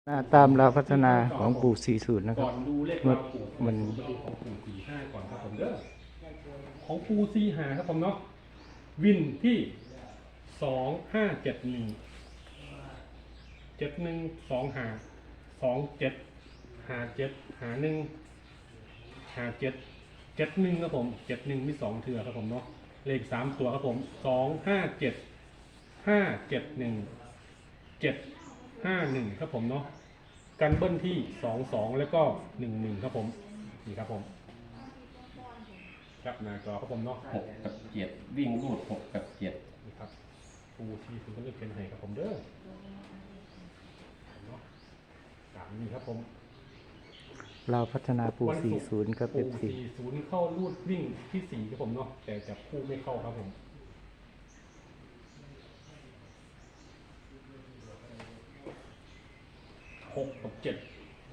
ตามเราพัฒนาของปู่40นะคก่รัอบ นดูเลขมันราวปู่มันมาดูของปู่45ก่อนครับผมเด้อของปู่45ครับผมเนาะวินที่2571712757515771ครับผม71มี2เทื่อครับผมเนาะเลข3ตัวครับผม257571 ครับผมเนาะกันเบิ้ลที่22แล้วก็11ครับผมนี่ครับผมครับหน้าจอครับผมเนาะ 6 กับ 7วิ่งรูด6 กับ 7 นี่ครับปูที่คุณก็เลือกเป็นให้ครับผมเด้อเนาะตามนี้ครับผมเราพัฒนาปู่วันศุกร์ 40กับปู F4 40เข้ารูดวิ่งที่4ครับผมเนาะแต่จับคู่ไม่เข้าครับผม6 กับ 7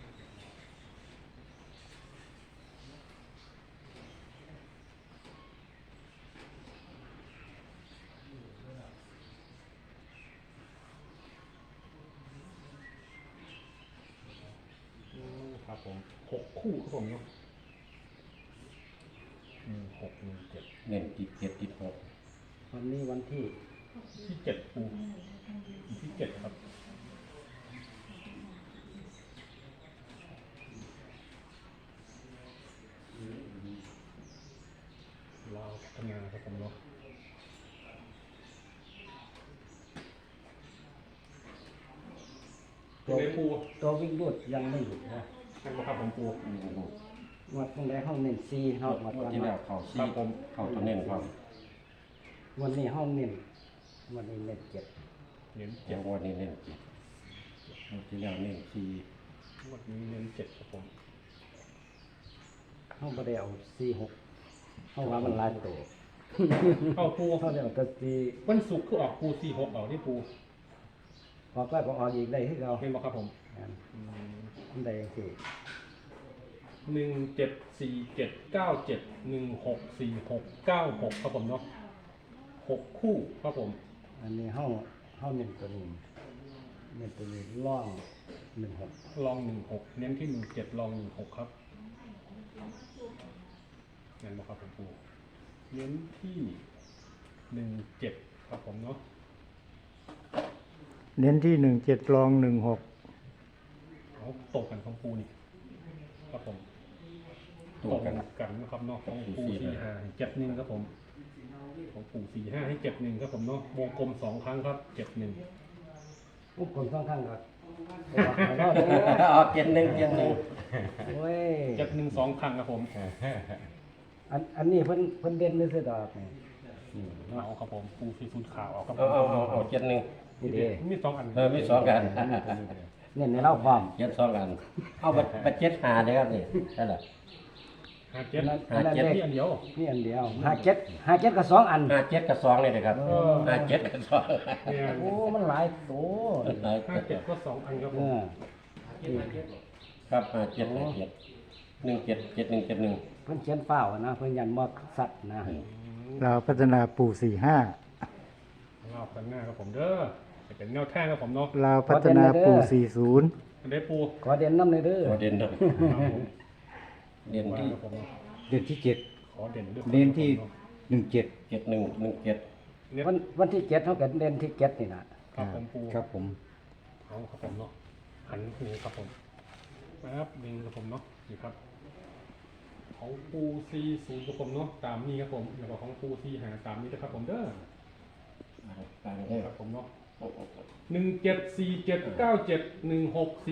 ครับผม6คู่ครับผมเนาะ6 1 7 เน้นติด7ติด6 วันนี้วันที่ที่7ปูที่7ครับเราวพัฒนาครับผมเนาะตัวในปูตัววิ่งรูดยังไม่หยุดนะนั่นก็ครับผมปูวิ่งรูดวัดตรงไหนห้องเน้นซีห้องวัดงวดวันที่แล้วเข้าซีเข้าตัวเน้นความวันนี้ห้องเน้นวันนี้เน้น7 เน้นอย่างงวดนี้เน้น7งวดที่แล้วเน้นซี 7วันนี้เน้น7ครับผมห้องบ่ได้เอา46ห้องว่ามันหลายตัวเข้าปูเขาได้เอาแต่ซีวันศุกร์คือออกปู46ออกที่ปูออกแล้วก็ออกอีกได้ที่เราเห็นบอกครับผมอันใดจังซี่ 174797164696ครับผมเนาะ6คู่ครับผมอันนี้ห้องเน้นตัวนี้เน้นตัวนี้ล่อง16 ลอง16เน้นที่17ลอง16ครับงั้นบอกครับผมปูเน้นที่17ครับผมเนาะเน้นที่17รอง16 เอาตกกันของปูนี่ครับผมตัวกันกันนะครับเนาะของปู45 71ครับผมของปู45ให้71ครับผมเนาะวงกลม2ครั้งครับ71 ปุ๊บคนข้างๆก็ออก7 1 7 1 โอ้ย 71 2ครั้งครับผมอันนี้เพิ่นเด่นซื่อๆดอกนี่เอาครับผมปู40ขาวเอาครับผเอาม 7 1 นี่เด้มี2อันมี2กันเน้นในเราความ 7 2กันเอาไป7 5เลยครับนี่นั่นแหละ 57มีอันเดียวนี่อันเดียว57กับ2อัน 57 กับ 2นี่นะครับ57 กับ 2 เนี่ยโอ้มันหลายโต 57ก็2อันครับผเอมอครับ57 17 71 71 เพิ่นเขียนฟ้าวนะเพิ่นยันมอกสัตว์นะเราพัฒนาปู่45 รอบกันหน้าครับผมเด้อจะเป็นแนวทางครับผมเนาะเราพัฒนาปู่40 อันได้ปูขอเด่นนำเลยเด้อตัวเด่นครับครับผมเด่นที่ครับผมเดือนที่ขอเด่นด้วยเดือนที่ 17 71 17 เนี่ยวันที่7เฮาก็เด่นที่7นี่นะครับผมปูครับผมเอาครับผมเนาะหันนี่ครับผมครับดึงครับผมเนาะนี่ครับของปู40ครับผมเนาะตามนี้ครับผมแล้วก็ของปู45ตามนี้นะครับผมเด้อต่างกันครับผมเนาะ17479716